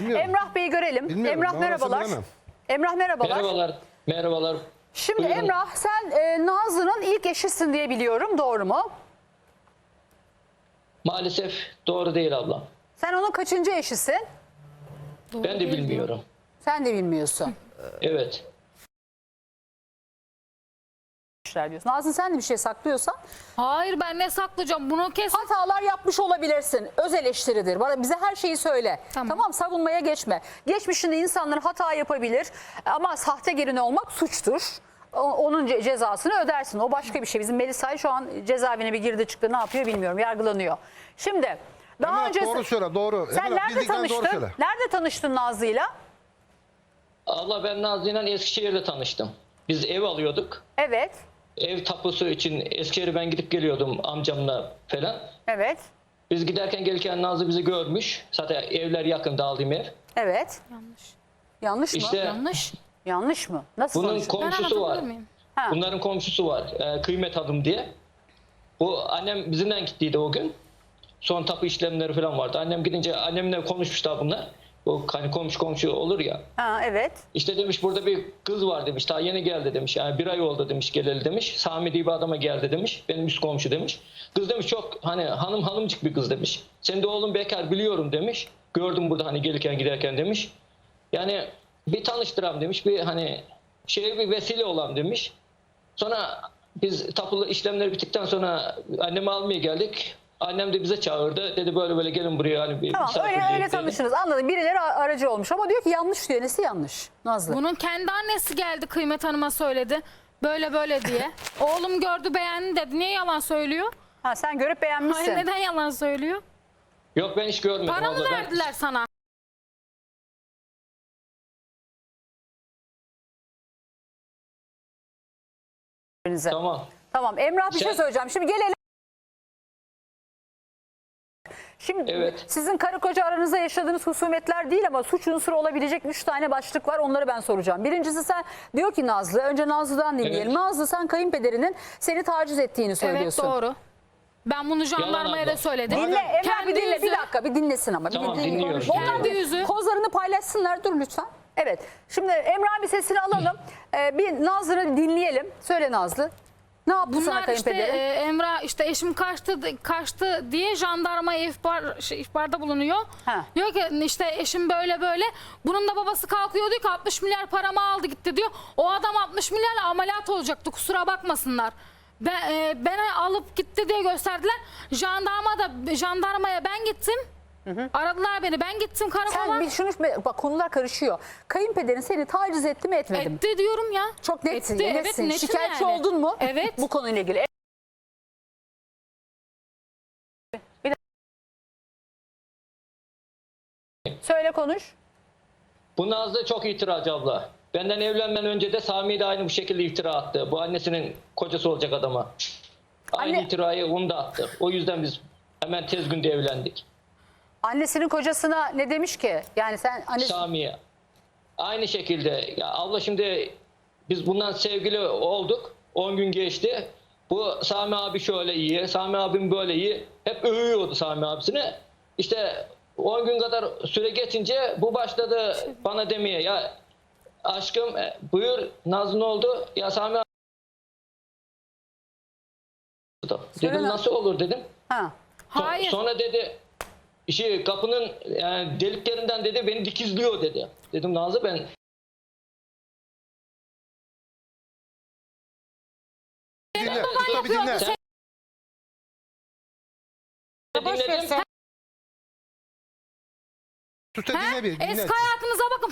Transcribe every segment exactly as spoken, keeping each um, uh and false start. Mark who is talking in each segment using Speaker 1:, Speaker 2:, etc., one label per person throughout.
Speaker 1: Bilmiyorum.
Speaker 2: Emrah Bey'i görelim.
Speaker 1: Bilmiyorum,
Speaker 2: Emrah
Speaker 1: ben
Speaker 2: merhabalar.
Speaker 1: orasını bilemem.
Speaker 2: Emrah merhabalar.
Speaker 3: Merhabalar. Merhabalar.
Speaker 2: Şimdi
Speaker 3: Buyurun.
Speaker 2: Emrah sen e, Nazlı'nın ilk eşisin diye biliyorum. Doğru mu?
Speaker 3: Maalesef doğru değil ablam.
Speaker 2: Sen onun kaçıncı eşisin?
Speaker 3: Ben de bilmiyorum.
Speaker 2: Sen de bilmiyorsun.
Speaker 3: Evet.
Speaker 2: Diyorsun. Nazlı sen de bir şey saklıyorsan
Speaker 4: Hayır, ben ne saklayacağım? Bunu kes.
Speaker 2: hatalar yapmış olabilirsin. Öz eleştiridir. Bana bize her şeyi söyle. Tamam.
Speaker 4: Tamam.
Speaker 2: Savunmaya geçme. Geçmişinde insanlar hata yapabilir ama sahte gelin olmak suçtur. O- Onun ce- cezasını ödersin. O başka bir şey. Bizim Melisay şu an cezaevine bir girdi çıktı. Ne yapıyor bilmiyorum. Yargılanıyor. Şimdi daha
Speaker 1: Emrah,
Speaker 2: önce
Speaker 1: doğru söyle, doğru.
Speaker 2: sen
Speaker 1: Emrah,
Speaker 2: nerede
Speaker 1: bildiklerini doğru
Speaker 2: tanıştın?
Speaker 1: söyle.
Speaker 2: Nerede tanıştın Nazlı'yla?
Speaker 3: Abla ben Nazlı'yla Eskişehir'de tanıştım. Biz ev alıyorduk.
Speaker 2: Evet.
Speaker 3: Ev tapusu için Eskişehir'e ben gidip geliyordum amcamla falan.
Speaker 2: Evet.
Speaker 3: Biz giderken gelirken Nazlı bizi görmüş. Zaten evler yakın, aldığım ev.
Speaker 2: Evet.
Speaker 4: Yanlış.
Speaker 2: Yanlış mı?
Speaker 3: İşte
Speaker 4: Yanlış.
Speaker 2: Yanlış mı? Nasıl
Speaker 3: bunun
Speaker 2: konuştun?
Speaker 4: Ben
Speaker 3: komşusu var.
Speaker 4: anlatabilir miyim?
Speaker 2: Ha.
Speaker 3: Bunların komşusu var. e, Kıymet Hanım diye. Bu annem bizimle gittiydi o gün. Son tapu işlemleri falan vardı. Annem gidince annemle konuşmuşlar bunlar. Bu hani komşu komşu olur ya.
Speaker 2: Ha, evet.
Speaker 3: İşte demiş burada bir kız var demiş. Daha yeni geldi demiş. Yani bir ay oldu demiş geleli demiş. Sami diye bir adama geldi demiş. Benim üst komşu demiş. Kız demiş çok hani hanım hanımcık bir kız demiş. Sen de oğlum bekar biliyorum demiş. Gördüm burada hani gelirken giderken demiş. Yani bir tanıştıram demiş. Bir hani şeye bir vesile olam demiş. Sonra biz tapulu işlemleri bittikten sonra annemi almaya geldik. Annem de bize çağırdı. Dedi böyle böyle gelin buraya hani bir
Speaker 2: Tamam öyle
Speaker 3: misafirliğe
Speaker 2: öyle
Speaker 3: dedi.
Speaker 2: tanıştınız. Anladım. Birileri a- aracı olmuş ama diyor ki yanlış diyor. Nesi yanlış? Nazlı.
Speaker 4: Bunun kendi annesi geldi Kıymet Hanım'a söyledi. Böyle böyle diye. Oğlum gördü beğendi dedi. Niye yalan söylüyor?
Speaker 2: Ha, sen görüp beğenmişsin.
Speaker 4: Hayır, neden yalan söylüyor?
Speaker 3: Yok ben hiç görmedim.
Speaker 4: Para mı
Speaker 3: abla. Ben-
Speaker 4: verdiler sana?
Speaker 2: Birbirinize.
Speaker 3: Tamam.
Speaker 2: Tamam. Emrah bir şey
Speaker 3: Sen-
Speaker 2: söyleyeceğim. Şimdi gelelim. Şimdi
Speaker 3: Evet.
Speaker 2: sizin karı koca aranızda yaşadığınız husumetler değil ama suç unsuru olabilecek üç tane başlık var. Onları ben soracağım. Birincisi sen diyor ki Nazlı. Önce Nazlı'dan dinleyelim.
Speaker 3: Evet.
Speaker 2: Nazlı sen kayınpederinin seni taciz ettiğini
Speaker 4: Evet,
Speaker 2: söylüyorsun.
Speaker 4: doğru. Ben bunu jandarmaya
Speaker 3: abla.
Speaker 4: da söyledim.
Speaker 2: Dinle Emrah
Speaker 4: Kendi
Speaker 2: bir dinle.
Speaker 4: yüzü-
Speaker 2: Bir dakika bir dinlesin ama. Bir
Speaker 3: Tamam,
Speaker 2: dinle.
Speaker 3: dinliyorum.
Speaker 2: Onlar
Speaker 4: Kendi
Speaker 2: bir
Speaker 4: yüzü.
Speaker 2: kozlarını paylaşsınlar. Dur lütfen. Evet. Şimdi Emrah bir sesini alalım. Ee, bir Nazlı'nı dinleyelim. Söyle Nazlı. Ne yaptı sana
Speaker 4: Bunlar işte
Speaker 2: kayınpederin?
Speaker 4: e, Emrah işte eşim kaçtı kaçtı diye jandarmaya ihbar şey, ihbarda bulunuyor.
Speaker 2: Ha.
Speaker 4: Diyor ki işte eşim böyle böyle. Bunun da babası kalkıyor diyor ki altmış milyar paramı aldı gitti diyor. O adam altmış milyarla ameliyat olacaktı, kusura bakmasınlar. Ben, e, beni alıp gitti diye gösterdiler. Jandarma da jandarmaya ben gittim. Aradılar beni, ben gittim karakola.
Speaker 2: Sen bir şunu bak konular karışıyor. Kayınpederin seni taciz etti mi etmedi mi?
Speaker 4: Etti diyorum ya.
Speaker 2: Çok netsin,
Speaker 4: Etti, evet,
Speaker 2: netsin.
Speaker 4: netim
Speaker 2: Şikayetçi
Speaker 4: yani.
Speaker 2: oldun mu?
Speaker 4: Evet.
Speaker 2: Bu konuyla ilgili. Bir dakika. Söyle konuş.
Speaker 3: Bu Nazlı çok itiracı abla. Benden evlenmeden önce de Sami de aynı bu şekilde iftira attı. Bu annesinin kocası olacak adama. Aynı
Speaker 2: Anne-
Speaker 3: iftirayı onu da attı. O yüzden biz hemen tez günde evlendik.
Speaker 2: Annesinin kocasına ne demiş ki? Yani sen annesi...
Speaker 3: Sami'ye. Aynı şekilde. Ya abla şimdi biz bundan sevgili olduk. on gün geçti. Bu Sami abi şöyle iyi, Sami abim böyle iyi. Hep övüyordu Sami abisini. İşte on gün kadar süre geçince bu başladı bana demeye. Ya aşkım e, buyur Nazlı ne oldu? Ya Sami abi.
Speaker 2: Söyle
Speaker 3: Dedim
Speaker 2: lan.
Speaker 3: nasıl olur dedim.
Speaker 2: Ha.
Speaker 3: So-
Speaker 4: Hayır.
Speaker 3: Sonra dedi işi kapının yani deliklerinden dedi beni dikizliyor dedi. Dedim Nazlı ben
Speaker 1: Dinle. Usta bir
Speaker 4: yapıyor.
Speaker 1: dinle.
Speaker 3: Sen-
Speaker 4: Boş ver
Speaker 3: dinledim.
Speaker 4: sen.
Speaker 1: Usta
Speaker 4: Ha?
Speaker 1: dinle bir. Dinle.
Speaker 4: Eski hayatınıza bakın.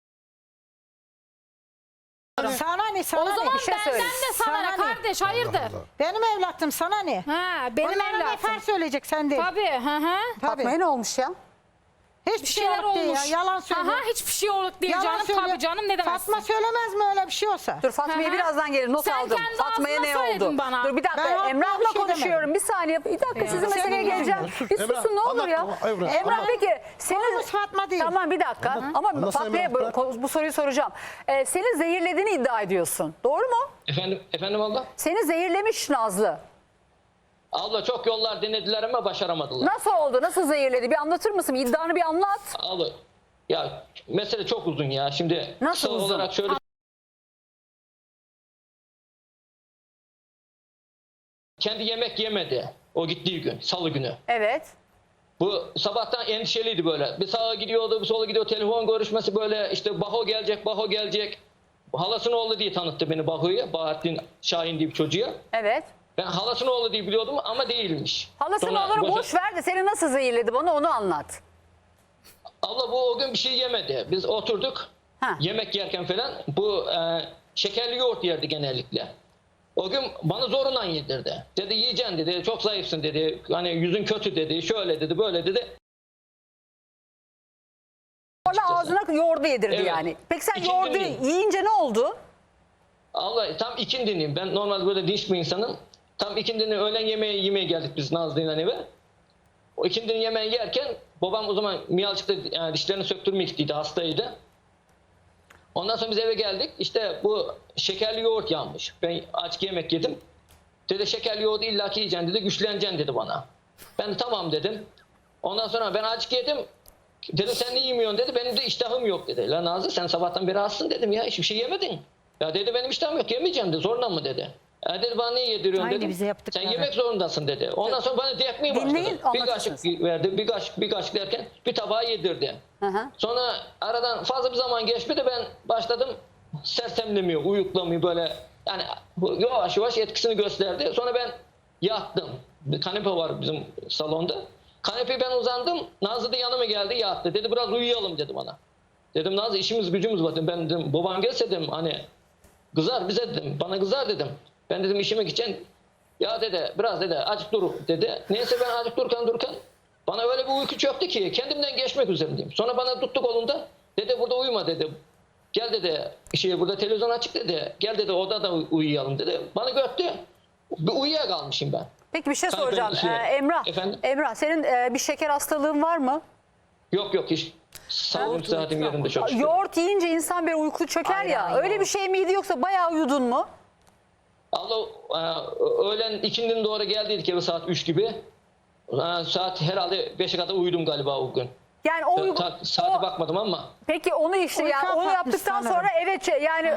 Speaker 5: Sana ne sana
Speaker 4: O zaman
Speaker 5: ne?
Speaker 2: şey
Speaker 4: benden
Speaker 2: söyle.
Speaker 4: de sana,
Speaker 5: Sana
Speaker 4: ne
Speaker 5: ne?
Speaker 4: kardeş, hayırdır?
Speaker 1: Allah.
Speaker 5: Benim evlattım sana ne?
Speaker 4: Ha, benim
Speaker 5: Onlara nefer
Speaker 4: evlatım.
Speaker 5: söyleyecek sen değil.
Speaker 4: Tabii, hı hı.
Speaker 5: Tabii.
Speaker 2: Fatma'ya ne olmuş ya?
Speaker 5: Hiçbir
Speaker 4: Bir
Speaker 5: şey
Speaker 4: şeyler
Speaker 5: yok diye ya.
Speaker 4: olmuş.
Speaker 5: Yalan söylüyor.
Speaker 4: Aha, hiçbir şey olur diye
Speaker 5: Yalan
Speaker 4: canım,
Speaker 5: söylüyor.
Speaker 4: tabii canım, ne demezsin.
Speaker 5: Fatma söylemez mi öyle bir şey olsa?
Speaker 2: Dur Fatma'ya
Speaker 4: Hı hı.
Speaker 2: birazdan gelir. Not
Speaker 4: Sen
Speaker 2: aldım.
Speaker 4: kendi
Speaker 2: Fatma'ya
Speaker 4: ağzına
Speaker 2: ne oldu?
Speaker 4: söyledin bana.
Speaker 2: Dur bir dakika.
Speaker 5: Ben haklı
Speaker 2: Emrah'la
Speaker 5: bir şey
Speaker 2: konuşuyorum.
Speaker 5: demedim.
Speaker 2: Bir saniye. Bir dakika sizin
Speaker 5: sen
Speaker 2: meseleye
Speaker 5: ne
Speaker 2: geleceğim.
Speaker 1: Sus,
Speaker 2: Bir
Speaker 1: Emrah,
Speaker 2: susun ne olur ya.
Speaker 1: anlat, Emrah,
Speaker 2: Emrah
Speaker 1: anlat.
Speaker 2: peki senin...
Speaker 5: Konumuz Fatma değil.
Speaker 2: Tamam bir dakika. Ama
Speaker 1: Anlatsana
Speaker 2: Fatma'ya
Speaker 1: Emrah,
Speaker 2: bu, bu soruyu soracağım. Ee, seni zehirlediğini iddia ediyorsun. Doğru mu?
Speaker 3: Efendim, efendim abla?
Speaker 2: Seni zehirlemiş Nazlı.
Speaker 3: Abla çok yollar denediler ama başaramadılar.
Speaker 2: Nasıl oldu? Nasıl zehirledi? Bir anlatır mısın? İddianı bir anlat.
Speaker 3: Abla, Ya mesele çok uzun ya. Şimdi
Speaker 2: Nasıl
Speaker 3: kısa
Speaker 2: uzun?
Speaker 3: olarak şöyle kendi yemek yemedi o gittiği gün, salı günü.
Speaker 2: Evet.
Speaker 3: Bu sabahtan endişeliydi böyle. Bir sağa gidiyordu, bir sola gidiyor. Telefon görüşmesi böyle işte Baho gelecek, Baho gelecek. Halasının oğlu diye tanıttı beni Baho'ya. Bahattin Şahin diye bir çocuğa.
Speaker 2: Evet.
Speaker 3: Ben halasının oğlu diye biliyordum ama değilmiş.
Speaker 2: Halasının
Speaker 3: Sonra
Speaker 2: oğlunu
Speaker 3: boşa-
Speaker 2: boş ver de seni nasıl zehirledi bana onu anlat.
Speaker 3: Abla bu o gün bir şey yemedi. Biz oturduk
Speaker 2: Ha.
Speaker 3: yemek yerken falan bu e, şekerli yoğurt yerdi genellikle. O gün bana zorundan yedirdi. Dedi yiyeceksin dedi, çok zayıfsın dedi. Hani yüzün kötü dedi, şöyle dedi, böyle dedi.
Speaker 2: Sonra ağzına yoğurdu yedirdi
Speaker 3: Evet.
Speaker 2: yani. Peki sen
Speaker 3: İkinci
Speaker 2: yoğurdu
Speaker 3: gün.
Speaker 2: yiyince ne oldu?
Speaker 3: Allah tam ikindiniyim. Ben normalde böyle dinç bir insanım. Tam ikindinin öğlen yemeği yemeye geldik biz Nazlı'yla eve. O ikindinin yemeği yerken babam o zaman miyalçıkta yani dişlerini söktürmeye gittiydi, hastaydı. Ondan sonra biz eve geldik. İşte bu şekerli yoğurt yanmış. Ben açık yemek yedim. Dedi şekerli yoğurdu illaki yiyeceksin dedi. Güçleneceksin dedi bana. Ben de tamam dedim. Ondan sonra ben açık yedim. Dedim sen ne yemiyorsun dedi. Benim de iştahım yok dedi. La Nazlı sen sabahtan beri açsın dedim ya. Hiçbir şey yemedin. Ya dedi benim iştahım yok yemeyeceğim dedi. Zorla mı dedi. Ya dedi bana niye yediriyorsun
Speaker 5: Aynı
Speaker 3: dedim.
Speaker 5: bize
Speaker 3: Sen
Speaker 5: yaptıkları.
Speaker 3: yemek zorundasın dedi. Ondan sonra bana diyetmeye başladı.
Speaker 2: Dinleyin,
Speaker 3: Bir
Speaker 2: anlatırsınız.
Speaker 3: kaşık verdi. Bir kaşık, bir kaşık derken bir tabağı yedirdi.
Speaker 2: Hı hı.
Speaker 3: Sonra aradan fazla bir zaman geçmedi ben başladım sersemlemiyor, uyuklamıyor böyle yani bu yavaş yavaş etkisini gösterdi. Sonra ben yattım. Bir kanepe var bizim salonda. Kanepeye ben uzandım. Nazlı da yanıma geldi yattı. Dedi biraz uyuyalım dedi bana. Dedim Nazlı işimiz gücümüz var. Ben dedim babam gelse dedim hani kızar bize dedim. Bana kızar dedim. Ben dedim işime gideceğim. Ya dedi biraz dedi azıcık dur dedi. Neyse ben azıcık dururken dururken bana öyle bir uyku çöktü ki kendimden geçmek üzerindeyim. Sonra bana tuttu kolunda. Dede burada uyuma dedi. Gel dedi şey burada televizyon açık dedi. Gel dedi odada uyuyalım dedi. Bana göttü. Bir uyuyakalmışım ben.
Speaker 2: Peki bir şey
Speaker 3: Tabii
Speaker 2: soracağım.
Speaker 3: ben şey-
Speaker 2: Ee, Emrah,
Speaker 3: Efendim?
Speaker 2: Emrah senin e, bir şeker hastalığın var mı?
Speaker 3: Yok yok hiç. Sağlığım sıhhatim yerinde çok şükür.
Speaker 2: Yoğurt yiyince insan bir uyku çöker ya.
Speaker 5: Aynen,
Speaker 2: Öyle bir şey miydi yoksa bayağı uyudun mu?
Speaker 3: Allah e, öğlen ikindinin doğru geldiydik eve saat üç gibi. E, Saat herhalde beşe kadar uyudum galiba o gün.
Speaker 2: Yani o, uyku-
Speaker 3: Ta- Saate
Speaker 2: o-
Speaker 3: bakmadım ama.
Speaker 2: peki onu işte
Speaker 5: Uyku
Speaker 2: yani onu
Speaker 5: apatmış
Speaker 2: yaptıktan
Speaker 5: sanırım.
Speaker 2: sonra evet şey- yani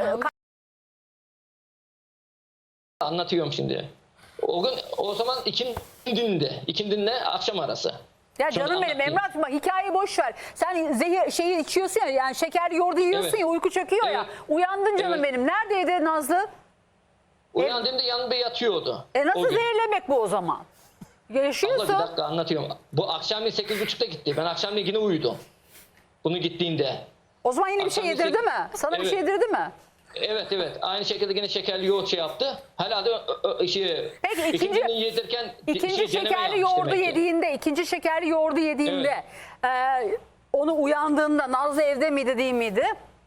Speaker 3: Anlatıyorum şimdi. O gün o zaman ikindinde, ikindinle akşam arası.
Speaker 2: ya
Speaker 3: Sonra
Speaker 2: canım benim
Speaker 3: anlatayım.
Speaker 2: Emrah bak hikayeyi boş ver. Sen zehir şeyi içiyorsun ya yani şekerli yoğurdu yiyorsun
Speaker 3: Evet.
Speaker 2: ya uyku çöküyor ya.
Speaker 3: Evet.
Speaker 2: Uyandın canım
Speaker 3: Evet.
Speaker 2: benim. Neredeydi Nazlı?
Speaker 3: Uyandığımda yanımda yatıyordu.
Speaker 2: E nasıl
Speaker 3: o gün.
Speaker 2: zehirlemek bu o zaman?
Speaker 3: Abla bir
Speaker 2: Yaşıyorsun.
Speaker 3: dakika anlatıyorum. Bu akşamleyin sekiz buçukta gitti. Ben akşamleyin yine uyudum. Bunu gittiğinde.
Speaker 2: O zaman yine bir şey
Speaker 3: Akşam
Speaker 2: yedirdi
Speaker 3: sek-
Speaker 2: mi? Sana bir
Speaker 3: Evet.
Speaker 2: şey yedirdi mi?
Speaker 3: Evet evet. Aynı şekilde yine şekerli yoğurt şey yaptı. Herhalde ö- ö- şey,
Speaker 2: Peki, ikinci-
Speaker 3: ikindini yedirken
Speaker 2: İkinci
Speaker 3: şey, deneme
Speaker 2: şekerli
Speaker 3: yapmış
Speaker 2: yoğurdu
Speaker 3: demek ki.
Speaker 2: yediğinde, ikinci şekerli yoğurdu yediğinde e, onu uyandığında Nazlı evde miydi değil miydi?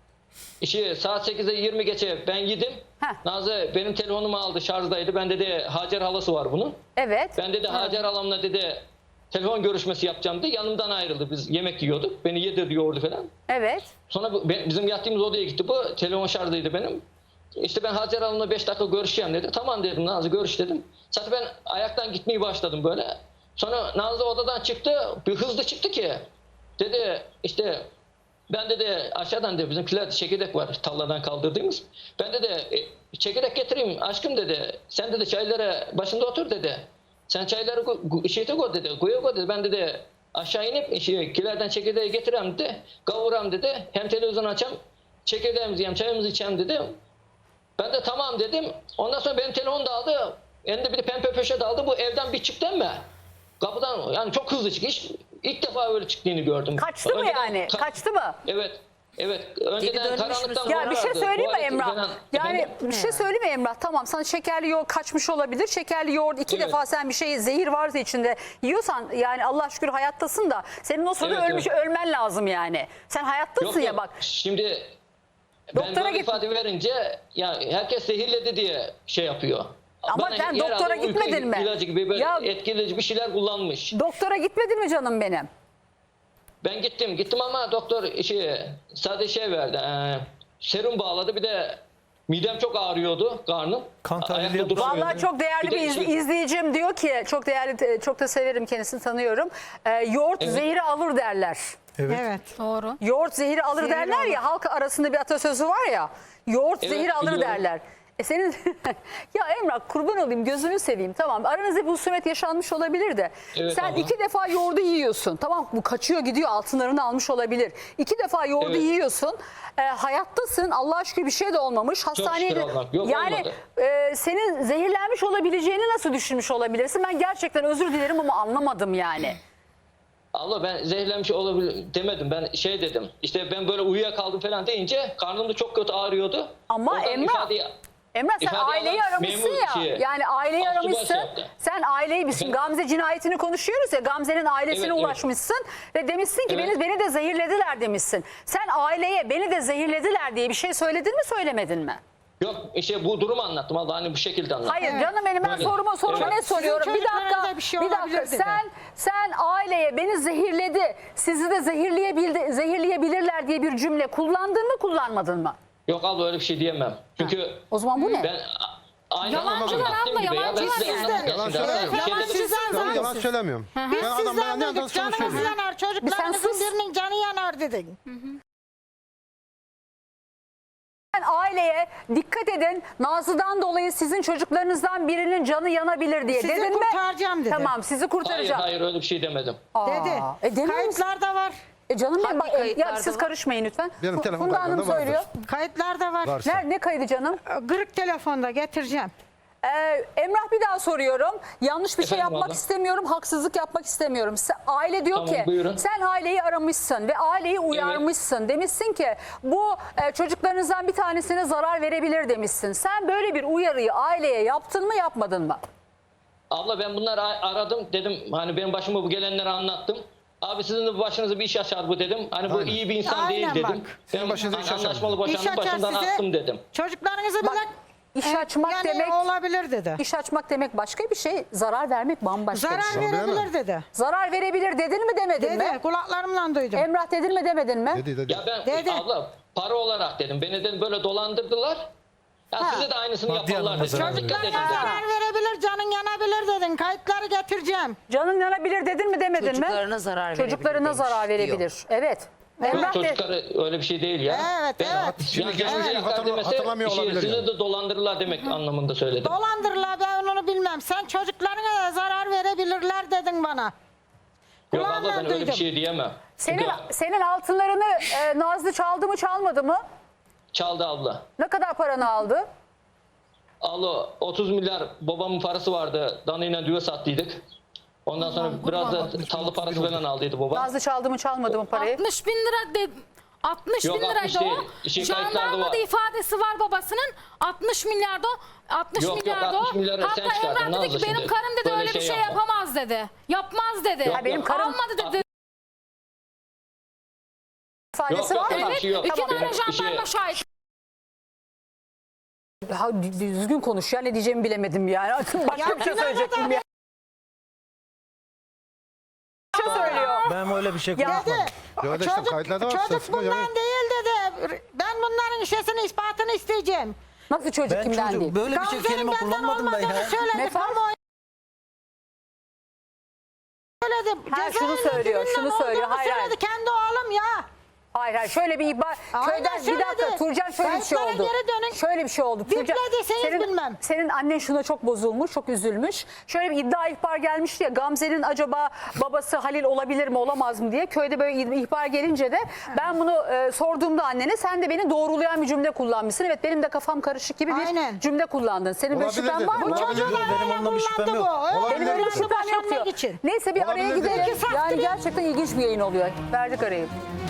Speaker 3: İşi saat sekize yirmi geçe ben yedim.
Speaker 2: Heh.
Speaker 3: Nazlı benim telefonumu aldı şarjdaydı. Ben dedi Hacer halası var bunun.
Speaker 2: Evet.
Speaker 3: Ben dedi Hacer halamla dedi telefon görüşmesi yapacağım dedi. Yanımdan ayrıldı. Biz yemek yiyorduk. Beni yedirdi yoğurdu falan.
Speaker 2: Evet.
Speaker 3: Sonra bu, ben- bizim yattığımız odaya gitti bu. Telefon şarjdaydı benim. İşte ben Hacer Hanım'la beş dakika görüşeceğim dedi. Tamam dedim Nazlı görüş dedim. Zaten ben ayaktan gitmeyi başladım böyle. Sonra Nazlı odadan çıktı. Bir hızlı çıktı ki. Dedi işte ben dedi aşağıdan dedi bizimkiler çekirdek var tarladan kaldırdığımız. Ben dedi e, çekirdek getireyim aşkım dedi. Sen dedi çaylara başında otur dedi. Sen çayları gu- şeyde koy dedi. Koya koy dedi. Ben dedi aşağı inip şey, kilerden çekirdeği getirem dedi. Kavuram dedi. Hem televizyon açam çekirdeğimizi yiyem çayımızı içem dedi. Ben de tamam dedim. Ondan sonra benim telefon da aldı. Elinde bir de pembe poşet aldı. Bu evden bir çıktı ama kapıdan yani çok hızlı çıktı. Hiç, ilk defa öyle çıktığını gördüm.
Speaker 2: Kaçtı mı
Speaker 3: Önceden
Speaker 2: yani?
Speaker 3: ka-
Speaker 2: Kaçtı mı?
Speaker 3: Evet. Evet. Önceden
Speaker 5: dönmüş
Speaker 3: karanlıktan
Speaker 2: Ya bir şey
Speaker 3: korkardı.
Speaker 2: söyleyeyim mi
Speaker 3: Tuvaleti
Speaker 2: Emrah?
Speaker 3: falan-
Speaker 2: Yani
Speaker 3: Efendim?
Speaker 2: bir şey söyleyeyim mi Emrah? Tamam sana şekerli yoğurt kaçmış olabilir. Şekerli yoğurt iki
Speaker 3: Evet.
Speaker 2: defa sen bir şey zehir varsa içinde yiyorsan yani Allah şükür hayattasın da senin o sırada
Speaker 3: Evet,
Speaker 2: ölmüş
Speaker 3: evet.
Speaker 2: ölmen lazım yani. Sen hayattasın
Speaker 3: Yok,
Speaker 2: ya
Speaker 3: yok.
Speaker 2: bak.
Speaker 3: Şimdi
Speaker 2: Doktora
Speaker 3: ben böyle
Speaker 2: git-
Speaker 3: ifade verince ya herkes zehirledi diye şey yapıyor.
Speaker 2: Ama
Speaker 3: Bana
Speaker 2: sen
Speaker 3: herhalde
Speaker 2: doktora
Speaker 3: uyku
Speaker 2: gitmedin mi?
Speaker 3: İlacı gibi böyle
Speaker 2: Ya-
Speaker 3: etkileyici bir şeyler kullanmış.
Speaker 2: Doktora gitmedin mi canım benim?
Speaker 3: Ben gittim gittim ama doktor şey, sadece şey verdi. E, serum bağladı bir de midem çok ağrıyordu karnım.
Speaker 6: Kan tahlili
Speaker 3: Ayakta
Speaker 6: yaptı.
Speaker 3: duramıyordum.
Speaker 2: Vallahi çok değerli
Speaker 3: Bir
Speaker 2: bir,
Speaker 3: de
Speaker 2: iz-
Speaker 3: şey-
Speaker 2: izleyicim diyor ki çok değerli çok da severim kendisini tanıyorum. Ee, yoğurt
Speaker 3: Evet.
Speaker 2: zehri alır derler.
Speaker 1: Evet.
Speaker 5: Evet.
Speaker 4: Doğru.
Speaker 2: Yoğurt zehri alır
Speaker 5: Zehri
Speaker 2: derler
Speaker 5: alır.
Speaker 2: ya, halk arasında bir atasözü var ya. Yoğurt
Speaker 3: Evet,
Speaker 2: zehri alır
Speaker 3: biliyorum.
Speaker 2: derler. E senin ya Emrah, kurban olayım, gözünü seveyim, tamam aranızda bir husumet yaşanmış olabilir de
Speaker 3: Evet
Speaker 2: sen
Speaker 3: abla.
Speaker 2: iki defa yoğurdu yiyorsun, tamam, bu kaçıyor gidiyor, altınlarını almış olabilir, iki defa yoğurdu
Speaker 3: Evet.
Speaker 2: yiyorsun, e, hayattasın, Allah'a şükür bir şey de olmamış, hastaneye
Speaker 3: şükür
Speaker 2: de-
Speaker 3: Allah'a. Yok,
Speaker 2: yani
Speaker 3: olmadı.
Speaker 2: e, senin zehirlenmiş olabileceğini nasıl düşünmüş olabilirsin? Ben gerçekten özür dilerim ama anlamadım yani.
Speaker 3: Allah ben zehirlenmiş olabilir demedim. Ben şey dedim. İşte ben böyle uyuyakaldım falan deyince karnım da çok kötü ağrıyordu.
Speaker 2: Ama
Speaker 3: Oradan
Speaker 2: Emrah,
Speaker 3: ifadeyi-
Speaker 2: Emrah sen
Speaker 3: İfade
Speaker 2: aileyi
Speaker 3: alan
Speaker 2: aramışsın
Speaker 3: memur
Speaker 2: ya.
Speaker 3: şeye,
Speaker 2: Yani aileyi
Speaker 3: Aslı
Speaker 2: aramışsın.
Speaker 3: baş yaptı.
Speaker 2: Sen aileyi bizim Gamze cinayetini konuşuyoruz ya. Gamze'nin ailesine
Speaker 3: Evet, evet.
Speaker 2: ulaşmışsın ve demişsin ki
Speaker 3: Evet.
Speaker 2: beni beni de zehirlediler demişsin. Sen aileye beni de zehirlediler diye bir şey söyledin mi, söylemedin mi?
Speaker 3: Yok işte bu durumu anlattım. Allah hani bu şekilde anlattım.
Speaker 2: Hayır canım benim, ben
Speaker 3: Böyle.
Speaker 2: soruma soruma
Speaker 3: Evet.
Speaker 2: ne soruyorum?
Speaker 5: Sizin
Speaker 2: Bir dakika.
Speaker 5: çocuklarınıza bir şey
Speaker 2: Bir dakika.
Speaker 5: olabilir dedi.
Speaker 2: Sen sen aileye beni zehirledi, sizi de zehirleyebildi, zehirleyebilirler diye bir cümle kullandın mı, kullanmadın mı?
Speaker 3: Yok abla öyle bir şey diyemem. Çünkü
Speaker 2: O zaman bu ne?
Speaker 3: ben a- aynı
Speaker 4: Yalancılar
Speaker 3: anlattığım
Speaker 4: abla,
Speaker 3: gibi ya. Ben
Speaker 4: yalancılar
Speaker 3: size
Speaker 4: sizden.
Speaker 3: anlatmak
Speaker 1: Yalan
Speaker 3: istedim.
Speaker 1: söylemiyorum.
Speaker 3: Bir şey
Speaker 5: Yalan
Speaker 3: dedim.
Speaker 5: sizden
Speaker 1: Ben
Speaker 5: zaten.
Speaker 1: yalan söylemiyorum.
Speaker 5: Biz
Speaker 1: Ben adam ben
Speaker 5: sizden
Speaker 1: ne
Speaker 5: duyduk. Canımız
Speaker 1: söylüyorum.
Speaker 5: yanar.
Speaker 2: Bir sen
Speaker 5: Çocuklarımızın
Speaker 2: sus.
Speaker 5: birinin canı yanar dedin.
Speaker 2: Sen aileye dikkat edin, Nazlı'dan dolayı sizin çocuklarınızdan birinin canı yanabilir diye
Speaker 5: Sizi
Speaker 2: dedin mi?
Speaker 5: kurtaracağım dedi.
Speaker 2: Tamam, sizi
Speaker 3: Hayır
Speaker 2: kurtaracağım.
Speaker 3: hayır öyle bir şey demedim.
Speaker 2: Aa,
Speaker 5: Dedi.
Speaker 2: E, demin
Speaker 5: Kayıtlarda var.
Speaker 2: E canım benim,
Speaker 6: Hangi
Speaker 2: bak, e, ya
Speaker 6: kayıtlarda
Speaker 2: siz
Speaker 6: var?
Speaker 2: karışmayın lütfen.
Speaker 1: Benim
Speaker 2: Fu-
Speaker 1: telefon
Speaker 2: Funda Hanım
Speaker 1: kayıtlarında
Speaker 2: söylüyor.
Speaker 5: Kayıtlarda var.
Speaker 1: Varsa.
Speaker 2: Nerede, ne kaydı canım?
Speaker 5: Kırık telefonda getireceğim.
Speaker 2: Ee, Emrah, bir daha soruyorum. Yanlış bir şey
Speaker 3: Efendim
Speaker 2: yapmak
Speaker 3: abla?
Speaker 2: istemiyorum, haksızlık yapmak istemiyorum. Sen- aile diyor
Speaker 3: Tamam,
Speaker 2: ki
Speaker 3: buyurun.
Speaker 2: sen aileyi aramışsın ve aileyi uyarmışsın. Demişsin ki bu e, çocuklarınızdan bir tanesine zarar verebilir demişsin. Sen böyle bir uyarıyı aileye yaptın mı, yapmadın mı?
Speaker 3: Abla ben bunları a- aradım dedim hani benim başıma bu gelenleri anlattım. Abi sizin de başınıza bir iş açar bu dedim. Hani bu
Speaker 1: Aynen.
Speaker 3: iyi bir insan
Speaker 5: Aynen
Speaker 3: değil
Speaker 5: bak.
Speaker 3: dedim.
Speaker 1: Sizin
Speaker 3: Ben
Speaker 1: başınıza
Speaker 3: hani
Speaker 1: iş açar.
Speaker 3: anlaşmalı
Speaker 5: İş
Speaker 3: boşandım
Speaker 5: açar
Speaker 3: başımdan
Speaker 5: size.
Speaker 3: attım dedim.
Speaker 5: Çocuklarınızı
Speaker 2: Bak,
Speaker 5: bile
Speaker 2: İş açmak
Speaker 5: yani
Speaker 2: demek,
Speaker 5: olabilir dedi.
Speaker 2: iş açmak demek başka bir şey, zarar vermek bambaşka bir
Speaker 5: Zarar
Speaker 2: şey.
Speaker 5: verebilir dedi.
Speaker 2: Zarar verebilir dedin mi, demedin
Speaker 5: Dedi.
Speaker 2: mi?
Speaker 5: Kulaklarımla duydum.
Speaker 2: Emrah, dedin mi, demedin mi?
Speaker 1: Dedi dedi.
Speaker 3: Ya ben
Speaker 5: Dedi.
Speaker 3: abla para olarak dedim. Beni dedim böyle dolandırdılar. Ya
Speaker 2: Ha.
Speaker 3: size de aynısını
Speaker 7: Maddi
Speaker 3: yaparlar
Speaker 7: anlamda
Speaker 3: dedim.
Speaker 7: zarar
Speaker 3: Dikkat edin
Speaker 5: Çocuklarına
Speaker 3: dedim.
Speaker 5: zarar verebilir, canın yanabilir dedin. Kayıtları getireceğim.
Speaker 2: Canın yanabilir dedin mi, demedin mi?
Speaker 6: Çocuklarına zarar verebilir
Speaker 2: Çocuklarına
Speaker 6: demiş,
Speaker 2: zarar
Speaker 6: diyor.
Speaker 2: verebilir. Evet.
Speaker 3: Yok,
Speaker 2: Emrah de,
Speaker 3: çocukları öyle bir şey değil ya.
Speaker 5: Evet,
Speaker 3: Ben,
Speaker 5: evet.
Speaker 1: Şimdi
Speaker 3: Yani
Speaker 1: geçmiş
Speaker 3: gerçekten
Speaker 1: hatırla-
Speaker 3: demese
Speaker 1: hatırlamıyor
Speaker 3: işi-
Speaker 1: olabilir
Speaker 3: sizi
Speaker 1: yani.
Speaker 3: de dolandırırlar demek anlamında söyledim.
Speaker 5: Dolandırırlar, ben onu bilmem. Sen çocuklarına da zarar verebilirler dedin bana.
Speaker 3: Yok abla
Speaker 5: Kulağımla
Speaker 3: ben öyle bir
Speaker 5: duydum.
Speaker 3: şey diyemem.
Speaker 2: senin,
Speaker 3: Çünkü
Speaker 2: senin altınlarını e, Nazlı çaldı mı, çalmadı mı?
Speaker 3: çaldı abla.
Speaker 2: Ne kadar paranı aldı?
Speaker 3: Allah otuz milyar babamın parası vardı. Danıyla düve sattıydık. Ondan sonra biraz da tallı parası falan aldıydı baba.
Speaker 2: Nazlı çaldı mı, çalmadı mı parayı?
Speaker 4: altmış bin lira de, altmış
Speaker 3: Yok,
Speaker 4: bin
Speaker 3: altmış
Speaker 4: liraydı
Speaker 3: değil.
Speaker 4: o.
Speaker 3: Şey, kayıtlarda
Speaker 4: Jandarmada
Speaker 3: var.
Speaker 4: ifadesi var babasının. altmış milyarda o. altmış
Speaker 3: Yok, yok,
Speaker 4: milyarda
Speaker 3: altmış
Speaker 4: o.
Speaker 3: milyarı sen
Speaker 4: Hatta
Speaker 3: çıkardın,
Speaker 4: Emrah dedi
Speaker 3: Nazlı
Speaker 4: ki benim
Speaker 3: şimdi.
Speaker 4: karım dedi
Speaker 3: Böyle
Speaker 4: öyle bir
Speaker 3: şey
Speaker 4: şey
Speaker 3: yapma.
Speaker 4: yapamaz dedi. Yapmaz dedi.
Speaker 3: Yok,
Speaker 2: Ha, benim
Speaker 3: yok.
Speaker 2: karım-
Speaker 4: Almadı dedi.
Speaker 2: İfadesi
Speaker 3: Yok,
Speaker 2: var
Speaker 3: yok,
Speaker 2: mı?
Speaker 4: Evet,
Speaker 3: şey yok.
Speaker 4: iki
Speaker 3: Tamam.
Speaker 4: tane
Speaker 3: Bir şey-
Speaker 4: jandarma şahit.
Speaker 2: Ha, dü- düzgün konuş ya, ne diyeceğimi bilemedim yani. Başka bir şey söyleyecektim ya. Bir şey söylüyor.
Speaker 7: Ben öyle bir şey
Speaker 2: Ya.
Speaker 7: konuşmadım.
Speaker 1: Ya da işte
Speaker 5: Çocuk,
Speaker 1: kayıtlarda var,
Speaker 5: çocuk
Speaker 1: sırasında
Speaker 5: bundan
Speaker 1: yani.
Speaker 5: değil dedi. Ben bunların işesini ispatını isteyeceğim.
Speaker 2: Nasıl çocuk,
Speaker 7: Ben
Speaker 2: kimden
Speaker 7: çocuk
Speaker 2: değil?
Speaker 7: böyle bir şey
Speaker 5: Gamze'nin
Speaker 7: kelime
Speaker 5: benden
Speaker 7: kullanmadım ben
Speaker 5: olmadığını
Speaker 7: ya.
Speaker 5: söyledi.
Speaker 2: Ne fark?
Speaker 5: Kamuoyu söyledi.
Speaker 2: Ha, şunu
Speaker 5: Cezaevinde
Speaker 2: söylüyor,
Speaker 5: kiminle
Speaker 2: şunu söylüyor.
Speaker 5: olduğunu
Speaker 2: Hayır, hayır.
Speaker 5: söyledi. Kendi oğlum ya.
Speaker 2: Hayır hayır, şöyle bir ihbar.
Speaker 5: Aynen
Speaker 2: Köyden bir dakika
Speaker 5: söyledi.
Speaker 2: Turcan, şöyle bir şey
Speaker 5: Kayıtlara
Speaker 2: oldu.
Speaker 5: geri dönün.
Speaker 2: Şöyle bir şey oldu. Turcan,
Speaker 5: Biplediyseniz
Speaker 2: senin,
Speaker 5: bilmem.
Speaker 2: senin annen şuna çok bozulmuş, çok üzülmüş. Şöyle bir iddia ihbar gelmişti ya, Gamze'nin acaba babası Halil olabilir mi, olamaz mı diye. Köyde böyle ihbar gelince de ben bunu e, sorduğumda annene, sen de beni doğrulayan bir cümle kullanmışsın. Evet, benim de kafam karışık gibi bir
Speaker 5: Aynen.
Speaker 2: cümle kullandın. Senin böyle
Speaker 1: Olabilir
Speaker 2: şüphen
Speaker 1: dedi.
Speaker 2: var mı?
Speaker 1: Bu
Speaker 5: Çocuğun
Speaker 1: Olabilir.
Speaker 5: öyle
Speaker 7: Benim ondan bir şüphem
Speaker 5: kullandı
Speaker 7: yok.
Speaker 5: bu.
Speaker 1: Olabilir.
Speaker 2: Benim öyle bir
Speaker 1: dedi.
Speaker 2: şüphem yok
Speaker 5: Boşanmak
Speaker 2: diyor.
Speaker 5: için.
Speaker 2: Neyse, bir araya
Speaker 1: Olabilir dedi.
Speaker 2: gidelim.
Speaker 5: Peki,
Speaker 2: Yani
Speaker 5: sahtı
Speaker 2: gerçekten ilginç bir yayın oluyor. Verdik arayı.